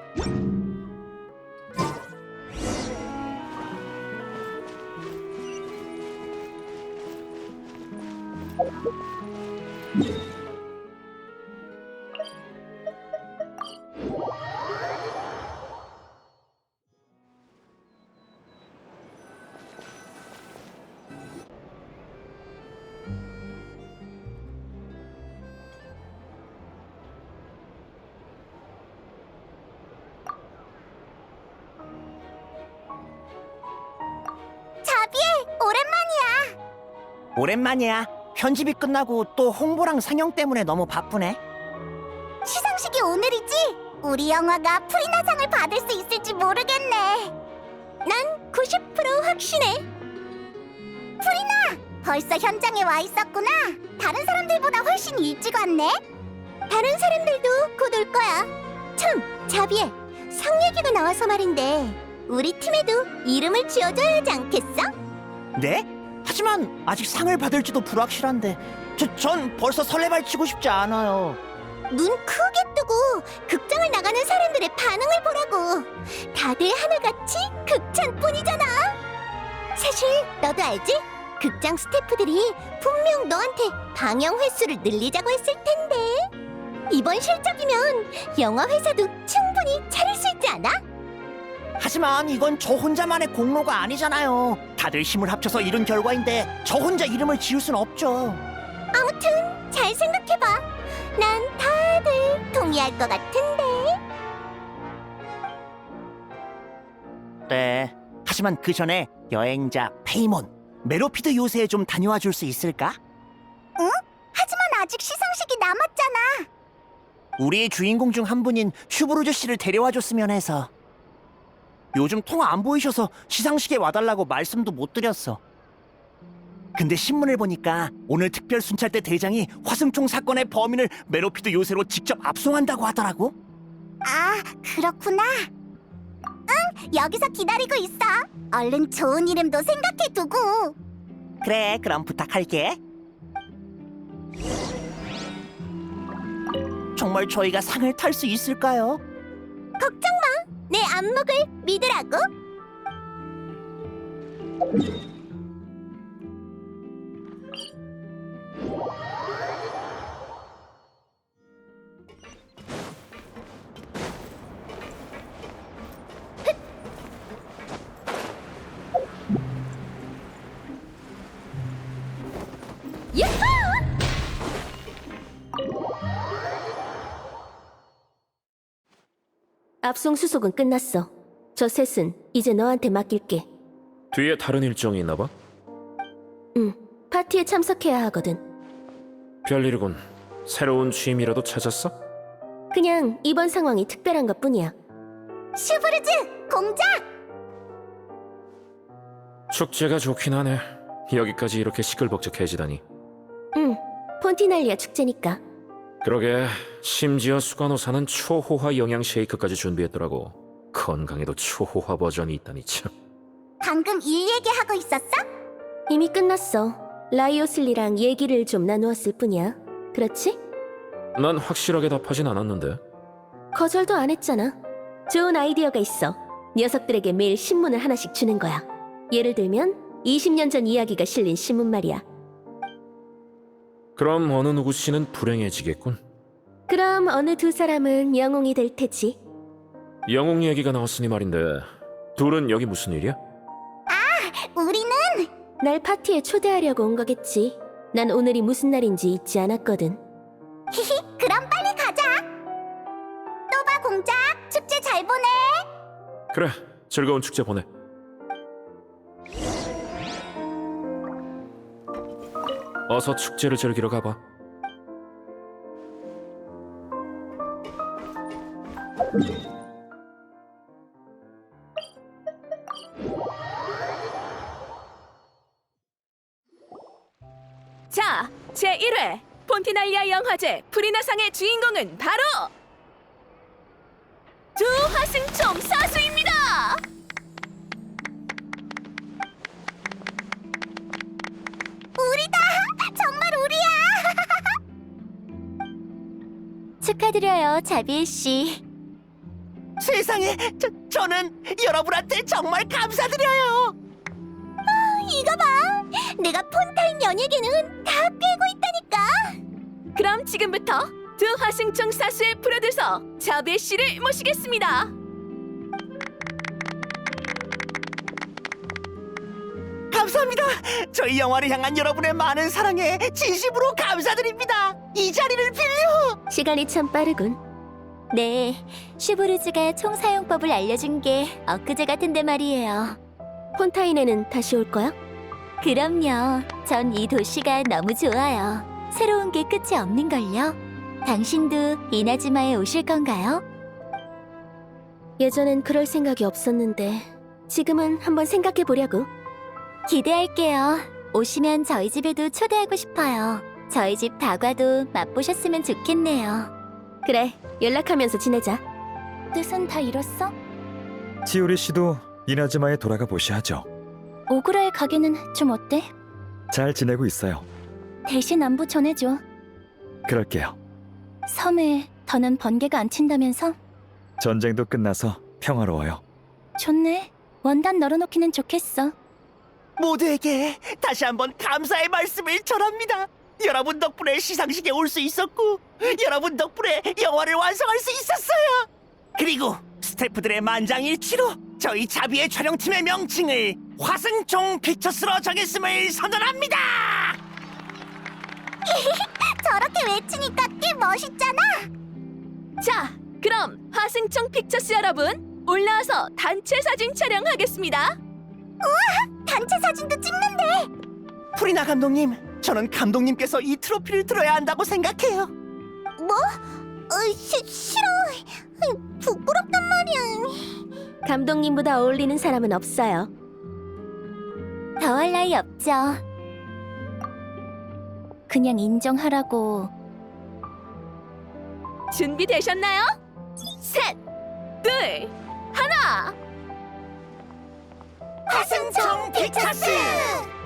오랜만이야. 편집이 끝나고 또 홍보랑 상영 때문에 너무 바쁘네. 시상식이 오늘이지? 우리 영화가 프리나상을 받을 수 있을지 모르겠네. 난 90% 확신해. 프리나! 벌써 현장에 와 있었구나. 다른 사람들보다 훨씬 일찍 왔네. 다른 사람들도 곧 올 거야. 참, 자비에 상 얘기가 나와서 말인데 우리 팀에도 이름을 지어줘야 하지 않겠어? 네? 하지만 아직 상을 받을지도 불확실한데 전 벌써 설레발치고 싶지 않아요. 눈 크게 뜨고 극장을 나가는 사람들의 반응을 보라고. 다들 하나같이 극찬뿐이잖아. 사실 너도 알지? 극장 스태프들이 분명 너한테 방영 횟수를 늘리자고 했을 텐데 이번 실적이면 영화 회사도 충분히 차릴 수 있지 않아? 하지만 이건 저 혼자만의 공로가 아니잖아요. 다들 힘을 합쳐서 이룬 결과인데 저 혼자 이름을 지을 순 없죠. 아무튼 잘 생각해봐. 난 다들 동의할 것 같은데. 네. 하지만 그 전에 여행자 페이몬, 메로피드 요새에 좀 다녀와 줄 수 있을까? 응? 하지만 아직 시상식이 남았잖아. 우리의 주인공 중 한 분인 슈브루즈 씨를 데려와 줬으면 해서. 요즘 통 안 보이셔서 시상식에 와달라고 말씀도 못 드렸어. 근데 신문을 보니까 오늘 특별 순찰대 대장이 화승총 사건의 범인을 메로피드 요새로 직접 압송한다고 하더라고. 아, 그렇구나. 응, 여기서 기다리고 있어. 얼른 좋은 이름도 생각해두고. 그래, 그럼 부탁할게. 정말 저희가 상을 탈 수 있을까요? 걱정 마. 내 안목을 믿으라고. 압송 수속은 끝났어. 저 셋은 이제 너한테 맡길게. 뒤에 다른 일정이 있나 봐? 응, 파티에 참석해야 하거든. 별일이군. 새로운 취미라도 찾았어? 그냥 이번 상황이 특별한 것뿐이야. 슈브르즈 공작! 축제가 좋긴 하네. 여기까지 이렇게 시끌벅적해지다니. 응, 폰티날리아 축제니까. 그러게, 심지어 수간호사는 초호화 영양 쉐이크까지 준비했더라고. 건강에도 초호화 버전이 있다니 참. 방금 일 얘기하고 있었어? 이미 끝났어. 라이오슬리랑 얘기를 좀 나누었을 뿐이야. 그렇지? 난 확실하게 답하진 않았는데. 거절도 안 했잖아. 좋은 아이디어가 있어. 녀석들에게 매일 신문을 하나씩 주는 거야. 예를 들면 20년 전 이야기가 실린 신문 말이야. 그럼 어느 누구 씨는 불행해지겠군. 그럼 어느 두 사람은 영웅이 될 테지. 영웅 얘기가 나왔으니 말인데, 둘은 여기 무슨 일이야? 우리는 날 파티에 초대하려고 온 거겠지. 난 오늘이 무슨 날인지 잊지 않았거든. 히히, 그럼 빨리 가자. 또 봐 공작. 축제 잘 보내. 그래, 즐거운 축제 보내. 어서 축제를 즐기러 가봐. 자, 제1회 폰티날리아 영화제 프리나상의 주인공은 바로 두 화승총 사수입니다. 우리다. 정말 우리야. 축하드려요, 자비엘 씨. 세상에, 저는 여러분한테 정말 감사드려요. 이거 봐! 내가 폰타인 연예계는 다 꿰고 있다니까! 그럼 지금부터 두 화승청 사수의 프로듀서 자비에 씨를 모시겠습니다. 감사합니다. 저희 영화를 향한 여러분의 많은 사랑에 진심으로 감사드립니다. 이 자리를 빌려. 시간이 참 빠르군. 네, 슈브르즈가 총 사용법을 알려준 게 엊그제 같은데 말이에요. 폰타인에는 다시 올 거야? 그럼요. 전 이 도시가 너무 좋아요. 새로운 게 끝이 없는걸요. 당신도 이나즈마에 오실 건가요? 예전엔 그럴 생각이 없었는데 지금은 한번 생각해 보려고. 기대할게요. 오시면 저희 집에도 초대하고 싶어요. 저희 집 다과도 맛보셨으면 좋겠네요. 그래, 연락하면서 지내자. 뜻은 다 이뤘어? 치오리 씨도 이나즈마에 돌아가 보셔야죠. 오그라의 가게는 좀 어때? 잘 지내고 있어요. 대신 안부 전해줘. 그럴게요. 섬에 더는 번개가 안 친다면서? 전쟁도 끝나서 평화로워요. 좋네. 원단 널어놓기는 좋겠어. 모두에게 다시 한번 감사의 말씀을 전합니다. 여러분 덕분에 시상식에 올 수 있었고, 여러분 덕분에 영화를 완성할 수 있었어요. 그리고 스태프들의 만장일치로 저희 자비의 촬영팀의 명칭을 화승총 픽처스로 정했음을 선언합니다. 저렇게 외치니까 꽤 멋있잖아. 자, 그럼 화승청 픽처스 여러분 올라와서 단체 사진 촬영하겠습니다. 단체 사진도 찍는데. 프리나 감독님, 저는 감독님께서 이 트로피를 들어야 한다고 생각해요. 뭐? 싫어. 부끄럽단 말이야. 감독님보다 어울리는 사람은 없어요. 더할 나위 없죠. 그냥 인정하라고. 준비되셨나요? 셋, 둘, 하나. 화승청 픽처스!